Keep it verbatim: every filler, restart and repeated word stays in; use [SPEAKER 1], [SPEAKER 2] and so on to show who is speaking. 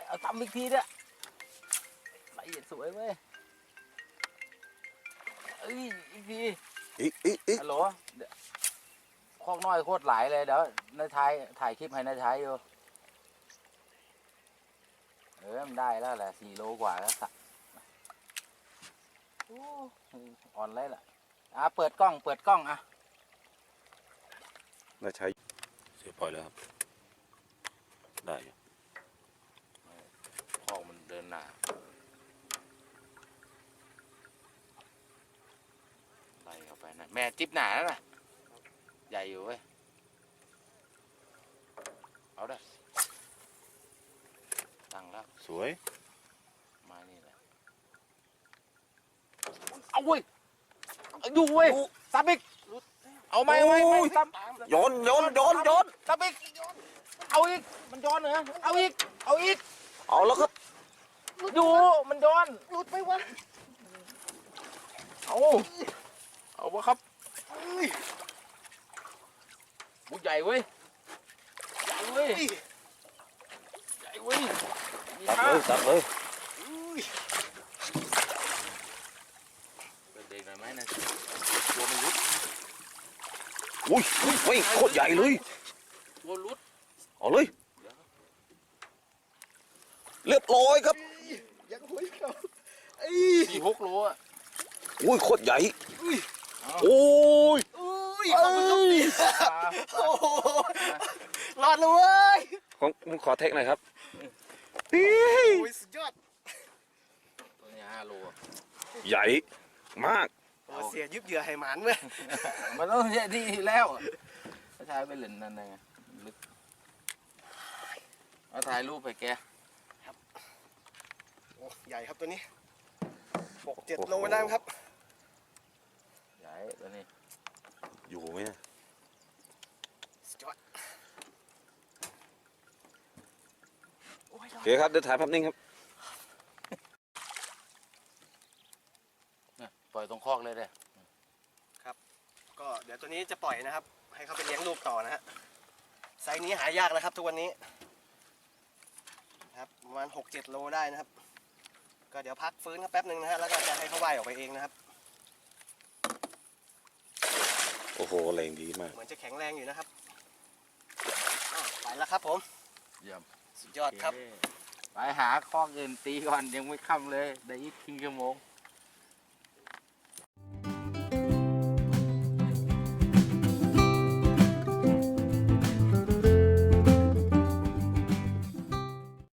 [SPEAKER 1] เอาตำอีกทีเนี่ยละเอียดสวยเว้ยเอ้ยอีกที
[SPEAKER 2] อีกอีกอีก
[SPEAKER 1] ฮัลโหลคอกน้อยโคตรหลายเลยเดี๋ยวนายท้ายถ่ายคลิปให้นายท้ายอยู่เออมันได้แล้วแหละสี่โลกว่าแล้วสักอ่อนเลยล่ะอ่ะเปิดกล้องเปิดกล้องอ่ะ
[SPEAKER 2] น่าใช้เสียปล่อยแล้วครับได้อยู่
[SPEAKER 1] คอกมันเดินหนาไล่เข้าไปนะแม่จิ๊บหนาแล้วน่ะใหญ่อยู่เว้ยเอาได้ตั้งแล้ว
[SPEAKER 2] สวย
[SPEAKER 1] มานี่แหละเอาเว้ยดูเว้ยซับอีกเอาไหมเอาไหมไม่ซับ
[SPEAKER 2] โยนโยนโยนโยน
[SPEAKER 1] ซับอีกเอาอีกมันย้อนเหรอเอาอีกเอาอีก
[SPEAKER 2] เอาแล้วครับ
[SPEAKER 1] ดูมันย้อน
[SPEAKER 3] หลุดไปวะ
[SPEAKER 1] เอาเอาวะครับบุกใหญ่เว้ยใหญ่เว้ยใหญ่เว้ยมี
[SPEAKER 2] ตัด
[SPEAKER 1] ค่า
[SPEAKER 2] เลยตัดเลย
[SPEAKER 1] เปิดเด็กหน่อยไหมนะตัวมันรุด
[SPEAKER 2] อุ้ยอุ้ยโคตรใหญ่เลย
[SPEAKER 1] ตัวรุด
[SPEAKER 2] เอาเลยเรียบร้อยครับ
[SPEAKER 3] ยังหุยเขาไอ้
[SPEAKER 1] สี่หกโลอ่ะ
[SPEAKER 2] อุ้ยโคตรใหญ่
[SPEAKER 1] เอา
[SPEAKER 2] โอ้ย
[SPEAKER 3] อุ้ยขอบคุณครับพี่
[SPEAKER 1] ปลา
[SPEAKER 3] โอ้โหรอดเลยเว้ย
[SPEAKER 2] ของผมขอเทคหน่อยครับ
[SPEAKER 3] โอ้ยสุดยอด
[SPEAKER 1] ตัวนี้ห้าโลอะ
[SPEAKER 2] ใหญ่มาก
[SPEAKER 3] โอ้เสียยึบเหยื่อให้หมันเว้ย
[SPEAKER 1] มันต้องใช่ที่แล้วอะถ้าชายไปเล่นนั่นไงลึกเอาถ่ายรูปไปแก
[SPEAKER 3] โอ้ใหญ่ครับตัวนี้หกเจ็ดโลได้ไหมครับ
[SPEAKER 1] ใหญ่ตัวนี้
[SPEAKER 2] อยู่ไหมเนี่ย
[SPEAKER 3] สุดยอดโอ้ยร
[SPEAKER 2] โอ
[SPEAKER 3] อด
[SPEAKER 2] เคครับเดี๋ยวถ่ายภาพนิ่งครับ
[SPEAKER 1] เนี่ยปล่อยตรงคอกเลยเด้
[SPEAKER 3] ก็เดี๋ยวตัวนี้จะปล่อยนะครับ ให้เขาไปเลี้ยงลูกต่อนะฮะไซส์นี้หายากนะครับทุกวันนี้นะครับประมาณหกเจ็ดโลได้นะครับ ก็เดี๋ยวพักฟื้นครับแป๊บหนึ่งนะฮะแล้วก็จะให้เขาว่ายออกไปเองนะครับ
[SPEAKER 2] โอ้โหแรงดีมาก
[SPEAKER 3] เหมือนจะแข็งแรงอยู่นะครับอ้าวไปแล้วครับผม
[SPEAKER 1] เยี่ยม
[SPEAKER 3] สุดยอดครับ
[SPEAKER 1] โอเคไปหาคอกอื่นตีก่อนยังไม่ค่ำเลยได้อีกครึ่งชั่วโมง